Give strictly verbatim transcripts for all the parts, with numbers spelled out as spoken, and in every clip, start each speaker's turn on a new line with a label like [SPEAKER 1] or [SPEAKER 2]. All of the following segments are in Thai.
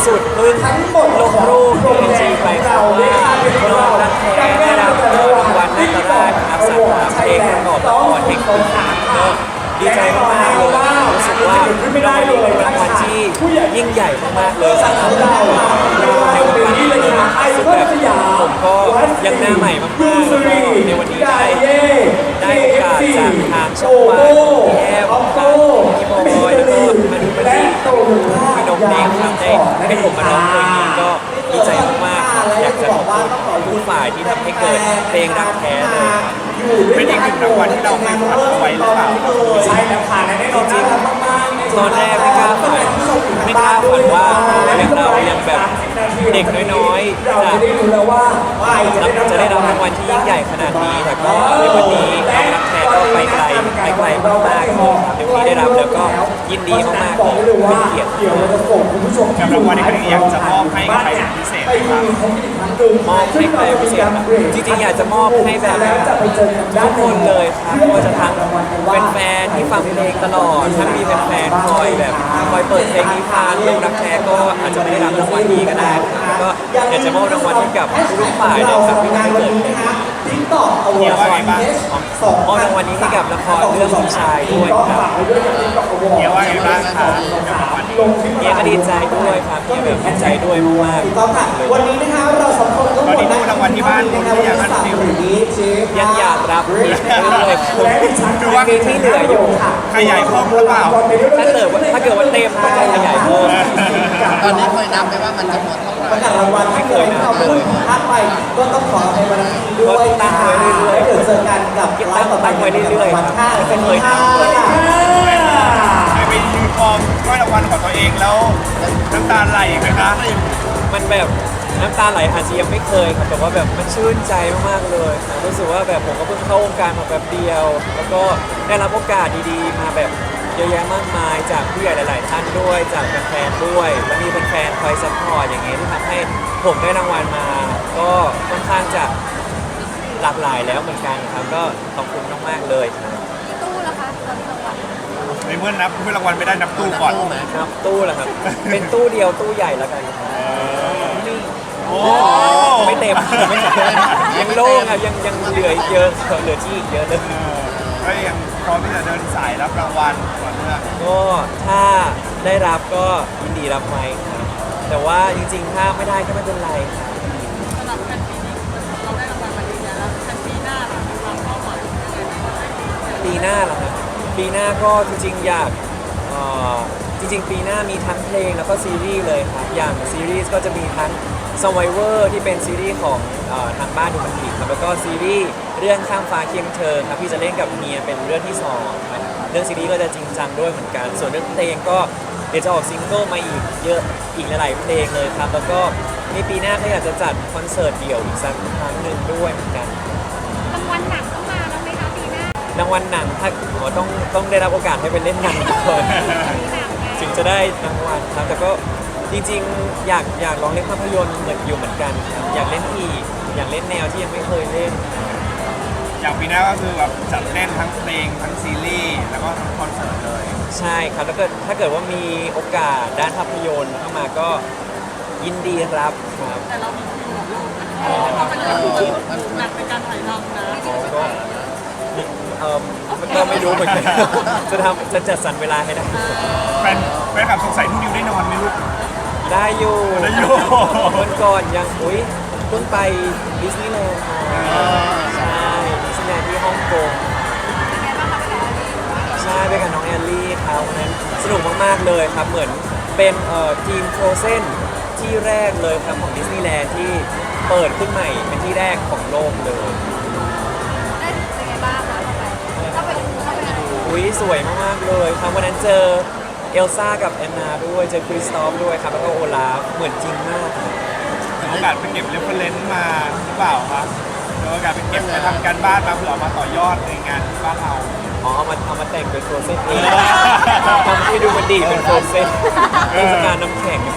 [SPEAKER 1] สุดเพิ่งลงรูปในไอจีไปครับว่าน้องรักแท้ได้รับรางวัลนักราชครับสาขาเพลงประกอบละครแห่งปีก็ดีใจมากๆเลยรู้สึกว่ารางวัลนี้เป็นรางวัลที่ยิ่งใหญ่มากๆเลยสำหรับเราในวงการนี้เลยนะซึ่งแบบผมก็ยังหน้าใหม่มากๆแล้วก็ในวันนี้ได้ได้โอกาสจากทางช่องวันพี่แอมพี่บอยแล้วก็มาดูมาดีพี่นกเองครับได้ให้ผมมาร้องเพลงนี้ก็ดีใจมากๆอยากจะขอบคุณทุกฝ่ายที่ทำให้เกิดเพลงรักแท้เลยครับ
[SPEAKER 2] เป็นอีกหนึ่งรางวัลที่เราไม่ฝันเอาไว้หรือเปล่า
[SPEAKER 3] ใช่แล้วค่ะและแน่นอนจริง
[SPEAKER 1] ตอนแรกไม่กล้าฝันไม่กล้าฝันว่าอย่างเรายังแบบเด็กน้อยๆจะรับจะได้รับรางวัลที่ยิ่งใหญ่ขนาดนี้แต่ก็ในวันนี้น้องรักแท้ก็ไปไกลไปไกลมากๆเลยครับเดี๋ยวนี้ได้รับแล้วก็ยินดีมากๆเลยเป็นเกียรติ
[SPEAKER 2] กับรางวัลนี้อยากจะมอบให้ใครพิเศษไหมครับ
[SPEAKER 1] มอบให้ใครพิเศษครับจริงๆอยากจะมอบให้แบบทุกคนเลยครับว่าจะทั้งเป็นแฟนที่ฟังเพลงตลอดทั้งมีแฟนๆคอยแบบคอยเปิดเพลงนี้ฟังลงรักแท้ก็อาจจะไม่ได้รับรางวัลนี้ก็ได้ครับก็อยากจะมอบรางวัลให้กับทุกฝ่ายเลยครับที่ได้เกิด
[SPEAKER 2] เกี่ยวว่าไงบ้าง
[SPEAKER 1] มอบรางวัลนี้ให้กับละครเรื่องพี่ชายด้วยครับ
[SPEAKER 2] เกี่ยวว่าไงบ้างครับ
[SPEAKER 1] เนี่ยก็ดีใจด้วยครับเนี่ยแบบดีใจด้วยมากๆ
[SPEAKER 3] วันนี้นะคะเราสองคนก็หมด
[SPEAKER 2] รางวัลที่บ้านคุณที่อยากรับ
[SPEAKER 1] ยังอยากรับอีกเลย
[SPEAKER 2] คือว่า
[SPEAKER 1] มีที่เหลืออยู่
[SPEAKER 2] ขยายเพิ่มหรือเปล่า
[SPEAKER 1] ถ้าเกิดว่าถ้าเกิดว่าเต็มก็จะขยายเพิ่ม
[SPEAKER 4] ตอนนี้เคยนับไหมว่ามันจะหมดเท่าไหร่
[SPEAKER 3] ประกาศรางวัลไม่เคยนับเลยถ้าไปก็ต้องขอในวันนี้ด้วย
[SPEAKER 1] ตั้งไว้เรื่อย
[SPEAKER 3] ๆเดี๋ยวเจอกันกับ
[SPEAKER 1] ตั้งตั้งไว้เรื่อยๆครับไม่เคยนับเลย
[SPEAKER 2] เคยไปยืนฟอร์มก็รางวัลของตัวเองแล้วน้ำตาไหลไหมคะ
[SPEAKER 1] มันแบบน้ำตาไหลอาจจะยังไม่เคยครับแต่ว่าแบบมันชื่นใจมากๆเลยรู้สึกว่าแบบผมก็เพิ่งเข้าวงการมาแบบเดียว แล้วก็ได้รับโอกาสดีๆมาแบบเยอะแยะมากมายจากผู้ใหญ่หลายๆท่านด้วยจากแฟนๆด้วยแล้วมีแฟนๆคอยซัพพอร์ตอย่างเงี้ยที่ทำให้ผมได้รางวัลมา ก็ค่อนข้างจะหลากหลายแล้วเหมือนกันครับก็ขอบคุณมากๆเลยครับ
[SPEAKER 5] ตู้ละคะตอนนี้รางวัล
[SPEAKER 2] ในเมื่อนับเมื่อรางวัลไม่ได้นับตู้ก่อน
[SPEAKER 1] นับตู้เหรอครับเป็นตู้เดียวตู้ใหญ่แล้วกันนี่
[SPEAKER 2] โอ้
[SPEAKER 1] ไม่เต็มไม่เต็มยังโล่งครับยังยังเหลือเยอะเหลือที่อีกเยอะเลย
[SPEAKER 2] ก็ยังพร้อมที่จะเดินสายรับรางวัลก่อนเนื่อง
[SPEAKER 1] ก็ถ้าได้รับก็ยินดีรับไหมครับแต่ว่าจริงๆถ้าไม่ได้ก็ไม่เป็นไรครับ
[SPEAKER 5] สำหรับแฟนปีนี้เราได้รางวัลมาดีแล้วแฟนปีหน้าเรามีความเป้าหมาย
[SPEAKER 1] ปีหน้าเหรอครับปีหน้าก็จริงๆอยากจริงๆปีหน้ามีทั้งเพลงแล้วก็ซีรีส์เลยครับอย่างซีรีส์ก็จะมีทั้ง Survivor ที่เป็นซีรีส์ของทางบ้านดูมันดีครับแล้วก็ซีรีส์เรื่องข้ามฟ้าเคียงเธอครับที่จะเล่นกับเมียเป็นเรื่องที่สองครับเรื่องซีรีส์ก็จะจริงจังด้วยเหมือนกันส่วนเรื่องเพลงก็เดี๋ยวจะออกซิงเกิลมาอีกเยอะอีกหลายๆเพลงเลยครับแล้วก็ในปีหน้าก็อยากจะจัดคอนเสิร์ตเดี่ยวอีกสักครั้งหนึ่งด้วยเหมือนกัน
[SPEAKER 5] รางวัลหนังต้องมาแล้วไหมคะปีหน้าร
[SPEAKER 1] างวัลหนังถ้าอ๋อต้องต้องได้รับโอกาสให้ไปเล่นหนังก่อนถึงจะได้รางวัลครับแต่ก็จริงๆอยากอยากลองเล่นภาพยนตร์เหมือนอยู่เหมือนกันอยากเล่นอีกอยากเล่นแนวที่ยังไม่เคยเล่น
[SPEAKER 2] อย่างปีหน้าก็คือแบบจัดเล่นทั้งเพลงทั้งซีรีส์แล้วก็ทั้งคอนเสิร์ตเลย
[SPEAKER 1] ใช่ครับแล้วก็ถ้าเกิดว่ามีโอกาสด้านภาพยนตร์เข้ามาก็ยินดีรับครับ
[SPEAKER 5] แต่เรามีคิวเราเป็นเรื่องหนักในการถ่ายทำนะ
[SPEAKER 1] ก็เออมันก็ไม่รู้เหมือนกันจะทำจะจัดสรรเวลาให้ได้
[SPEAKER 2] แฟนแฟนคลับสงสัยทุกนิวได้นอนไหมลูก
[SPEAKER 1] ได้อยู่
[SPEAKER 2] ได้อยู่
[SPEAKER 1] วันก่อนยังอุ้ยเพิ่งไปดิสนีย์แลนด์มาใช่ดิสนีย์แลนด์ที่ฮ่องกงใช่ไปกับน้องแอลลี่เขาวันนั้นสนุกมากๆเลยครับเหมือนเป็นเอ่อทีมโฟรเซนที่แรกเลยครับของดิสนีย์แลนด์ที่เปิดขึ้นใหม่เป็นที่แรกของโลกเลย
[SPEAKER 5] ได้เป็นไงบ้างคะเข้าไปเข้าไป
[SPEAKER 1] อุ้ยสวยมากๆเลยครับวันนั้นเจอเอลซ่ากับแอนนาด้วยเจอคริสตอฟด้วยครับแล้วก็โอลาฟเหมือนจริงมาก
[SPEAKER 2] โอกาสไปเก็บเรฟเฟอเรนซ์มาหรือเปล่าครับโอกาสไปเก็บไปทำการบ้านมาเผื่อมาต่อยอดในงานบ้านเรา
[SPEAKER 1] อ๋อเอามาเอามาแต่งเป็นโฟรเซนเองทำให้ดูมันดีเป็นโฟรเซนเทศกาลน้ำแข็ง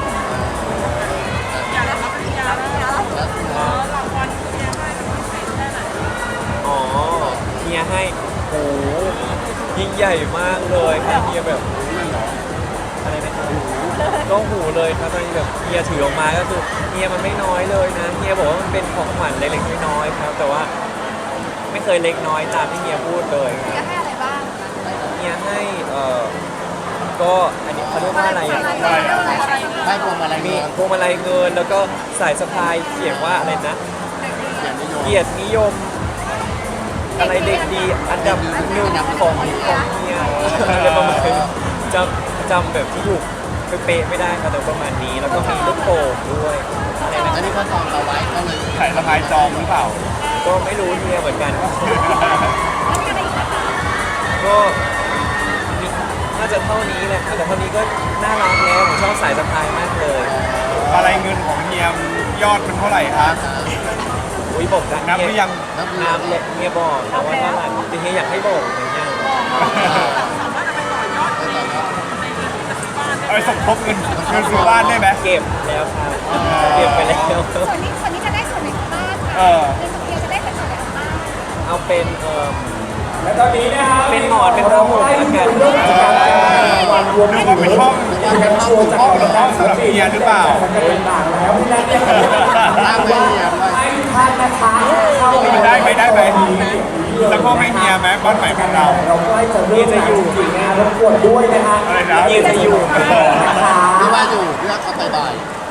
[SPEAKER 5] อยากรับปริญญาแล้วรางวัลเฮียให้รางวัลใหญ่แค่ไหน
[SPEAKER 1] อ๋อเฮียให้โอ้ยิ่งใหญ่มากเลยครับเฮียแบบอะไรนะครับก็เข้าหูเลยครับตอนนี้แบบเฮียถือออกมาก็คือเฮียมันไม่น้อยเลยนะเฮียบอกว่ามันเป็นของขวัญเล็กๆน้อยๆครับ แต่ว่าไม่เคยเล็กน้อยตามที่เฮียพูดเลยค
[SPEAKER 5] จะ
[SPEAKER 1] รับ
[SPEAKER 5] ให้อะไรบ้าง
[SPEAKER 1] เฮียให้เอ่อก็อันนี้เขาเรียกว่าอะไรอ่ะ
[SPEAKER 4] ได้พวงมาลัย
[SPEAKER 1] มี
[SPEAKER 4] เงิน
[SPEAKER 1] พวงมาลัยเงินแล้วก็สายสะพายเขียนว่าอะไรนะ
[SPEAKER 4] เกียรตินิยม
[SPEAKER 1] เกียรตินิยมอะไรเด็กดีอันดับหนึ่งของของเฮียอะไรประมาณนี้จำจำแบบที่ถูกเป๊ะๆไม่ได้ครับแต่ประมาณนี้แล้วก็มีลูกโป่งด้วยอะไรนะ
[SPEAKER 4] แล้วนี่เขาจองเราไว้ก็เลย
[SPEAKER 2] ไข่สะพายจองหรือเปล่า
[SPEAKER 1] ก็ไม่รู้เฮียเหมือนกัน
[SPEAKER 5] แล้วมีอะไรอีกนะคะ
[SPEAKER 1] ก็มีน่าจะเท่านี้แหละครับแต่เท่านี้ก็น่ารักแล้วผมชอบสายสะพายมากเลย
[SPEAKER 2] อะไรเงินของเฮียมยอดเป็นเท่าไหร่ครับ
[SPEAKER 1] อุ้ยบอกกัน
[SPEAKER 2] นับหรือยัง
[SPEAKER 4] นับ
[SPEAKER 1] น้ำเลยเฮียบอกแต่ว่าเท่าไหร่จริงๆเฮียอยากให้บอกไหมเนี่ย
[SPEAKER 5] สามารถเอาไปต่อยอดในในเงินที่จะซื้อบ้านได้
[SPEAKER 2] เอาไปสมทบเงินเงินซื้อบ้านได้ไหม
[SPEAKER 1] เก็บแล้วครับเก็บไปแล้ว
[SPEAKER 5] ส่วนนี้ส่วนนี้จะได้ส่วนไหนของบ้าน
[SPEAKER 2] เอ
[SPEAKER 5] ค่ะ
[SPEAKER 2] อ
[SPEAKER 5] เงินของเดียวจะได้เป็นส่วนไหนของบ้าน
[SPEAKER 1] เอาเป็นเอ่อ
[SPEAKER 3] และตอนนี้นะครับ
[SPEAKER 1] เป็นหมอนเป็นผ้าห่มแล้วกัน
[SPEAKER 3] เรื่องการรางวัลรวม
[SPEAKER 2] นึกว่าเป็นห้อง
[SPEAKER 3] เป็นโชว์จาก
[SPEAKER 2] ห้องสำหรับเฮียหรือเปล่า
[SPEAKER 3] ต่างๆแล้วที่นั่นเนี่ย
[SPEAKER 4] ร่างไม่เหี่ยวด้วย
[SPEAKER 3] ให้ท่านนะคะเข้าไป
[SPEAKER 2] ได้ไหมได้ไหมสักห้องให้เฮียไหมบ้านใหม่ของเรา
[SPEAKER 3] เราใกล้จะเริ่มแล้วจริงๆนะรบกวนด้วยนะฮะ
[SPEAKER 2] อะไรนะ
[SPEAKER 1] เฮียจะอยู่ไหม
[SPEAKER 3] นะคะ
[SPEAKER 4] พี่ว่าอยู่พี่ว่าเขาไปบ่าย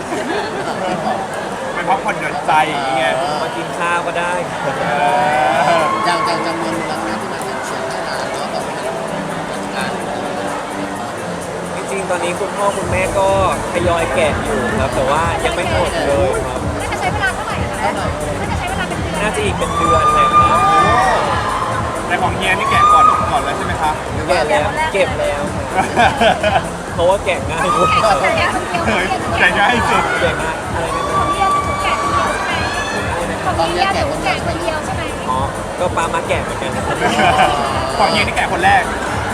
[SPEAKER 2] เป็นพักผ่อนหย่อนใจอย่างเงี้ย
[SPEAKER 1] มากินข้าวก็ได้
[SPEAKER 2] เออ
[SPEAKER 4] อย่างอย่างจำนวนมูลค่าที่มันเป็นเสียงให้นานแล้วแบบเป็นการ
[SPEAKER 1] จริงๆ ตอนนี้คุณพ่อคุณแม่ก็ทยอยแกะอยู่ครับ แต่ว่ายังไม่หมดเลยครับ
[SPEAKER 5] น่าจะใช้เวลาเท่าไหร่คะน่าจะใช้เวลาเป็นเดือน
[SPEAKER 1] น่าจะอีกเป็นเดือนเลยครับ
[SPEAKER 2] แต่ของเฮียนี่แกะก่อนก่อนแล้วใช่ไหมครับ
[SPEAKER 1] แกะแล้วเก็บแล้วครับเพราะว่าแกะง่ายด้วย
[SPEAKER 5] แต่แกะคนเดียว
[SPEAKER 2] เฮ้ยแกะง่ายสุด
[SPEAKER 1] แกะง่ายอะไรนะ
[SPEAKER 5] ของเดียวถูกแกะคนเดียวใช่ไหมของเดียวถูกแกะคนเดียวใช่ไหม
[SPEAKER 1] อ๋อ ก็ปามาแกะเหมือนกันนะครับ
[SPEAKER 2] ของเฮียนี่แกะคนแรก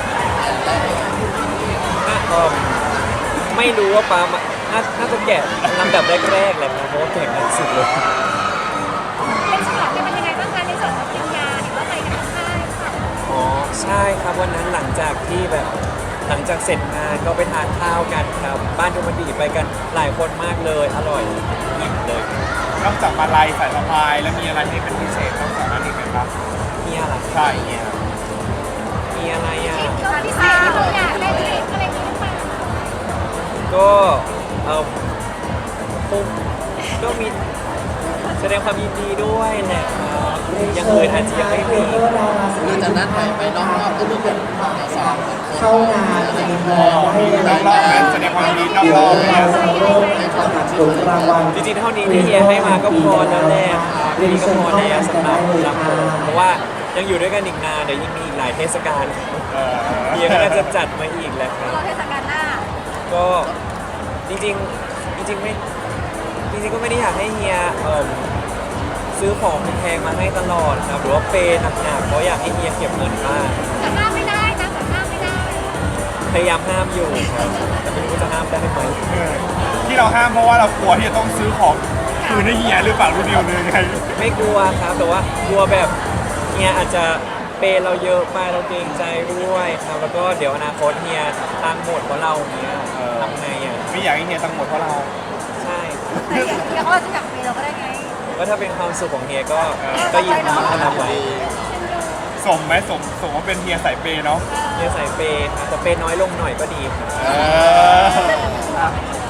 [SPEAKER 1] อ่ะเอิ่มไม่รู้ว่าปามาน่าน่าจะแกะลำดับแรกๆแหละครับเพราะว่าแกะง่ายสุดเลย
[SPEAKER 5] เป็นฉลองกันเป็นยังไงบ้างคะในส่วนของปริญญาหรือว่าไปกันทั้งค่ายค่ะ
[SPEAKER 1] อ๋อ ใช่ครับวันนั้นหลังจากที่แบบหลังจากเสร็จงานก็ไปทานข้าวกันครับ บ้านดูมันดีไปกันหลายคนมากเลย อร่อยอิ่มเลย
[SPEAKER 2] นอกจากมาลัยสายสะพายแล้วมีอะไรที่เป็นพิเศษนอกจากนั้นอีกไหมครับ
[SPEAKER 1] มีอะไร
[SPEAKER 2] ใช่เฮีย
[SPEAKER 1] มีอะไรอ่ะ
[SPEAKER 5] เราพิเศษที่เราอยากได้ทริปอะไรนี้หรือเปล่า
[SPEAKER 1] ก็เออคงก็มีแสดงความยินดีด้วยแหละครับอย่างอื่นอาจจะยังไม่มี
[SPEAKER 4] หรือจากนั้นไปไปนอกรอบก็มีเป็นสองคน
[SPEAKER 3] เข้างานจะมีแพลนให้
[SPEAKER 2] นอกรอบนั้นแสดงความยินดีนอกรอบเลยนะ
[SPEAKER 3] ให้ประกาศผลรางวัล
[SPEAKER 1] จริงๆเท่านี้ที่เฮียให้มาก็พอแล้วแหละครับนี่ก็พอแล้วสำหรับรับผมเพราะว่ายังอยู่ด้วยกันอีกนานเดี๋ยวยังมีอีกหลายเทศกาล
[SPEAKER 2] เออ
[SPEAKER 1] เฮียก็น่าจะจัดมาอีกแหละครับ
[SPEAKER 5] เราเทศกาลหน้า
[SPEAKER 1] ก็จริงๆจริงๆไม่จริงๆก็ไม่ได้อยากให้เฮียเอิ่มซื้อของแพงๆมาให้ตลอดครับหรือว่าเปย์หนักๆเพราะอยากให้เฮียเก็บเงินบ้าง
[SPEAKER 5] แต่ห้ามไม่ได้นะแต่ห้ามไม่ได้
[SPEAKER 1] พยายามห้ามอยู่ครับแต่ไม่รู้ว่าจะห้ามได้ไหม
[SPEAKER 2] ที่เราห้ามเพราะว่าเรากลัวที่จะต้องซื้อของคืนให้เฮียหรือเปล่ารู้เดียวเลยไง
[SPEAKER 1] ไม่กลัวครับแต่ว่ากลัวแบบเฮียอาจจะเปย์เราเยอะไปเราเกรงใจด้วยครับแล้วก็เดี๋ยวอนาคตเฮียตังค์หมดเพราะเราเนี้ยทำไงอ่ะ
[SPEAKER 2] ไม่อยากให้เฮียตังค์หมดเพราะเรา
[SPEAKER 1] ใช่ครับ
[SPEAKER 5] เดี๋ยวเขาจะจับเปเราก็ได้ไง
[SPEAKER 1] ก็ถ้าเป็นความสุขของเฮียก็ก็ยินดีที่ทำไว้
[SPEAKER 2] สมไหมสมสมว่าเป็นเฮียสายเปย์เนาะ
[SPEAKER 1] เฮียใส่เปย์ครับแต่เปย์น้อยลงหน่อยก็ดีครับ
[SPEAKER 2] เออ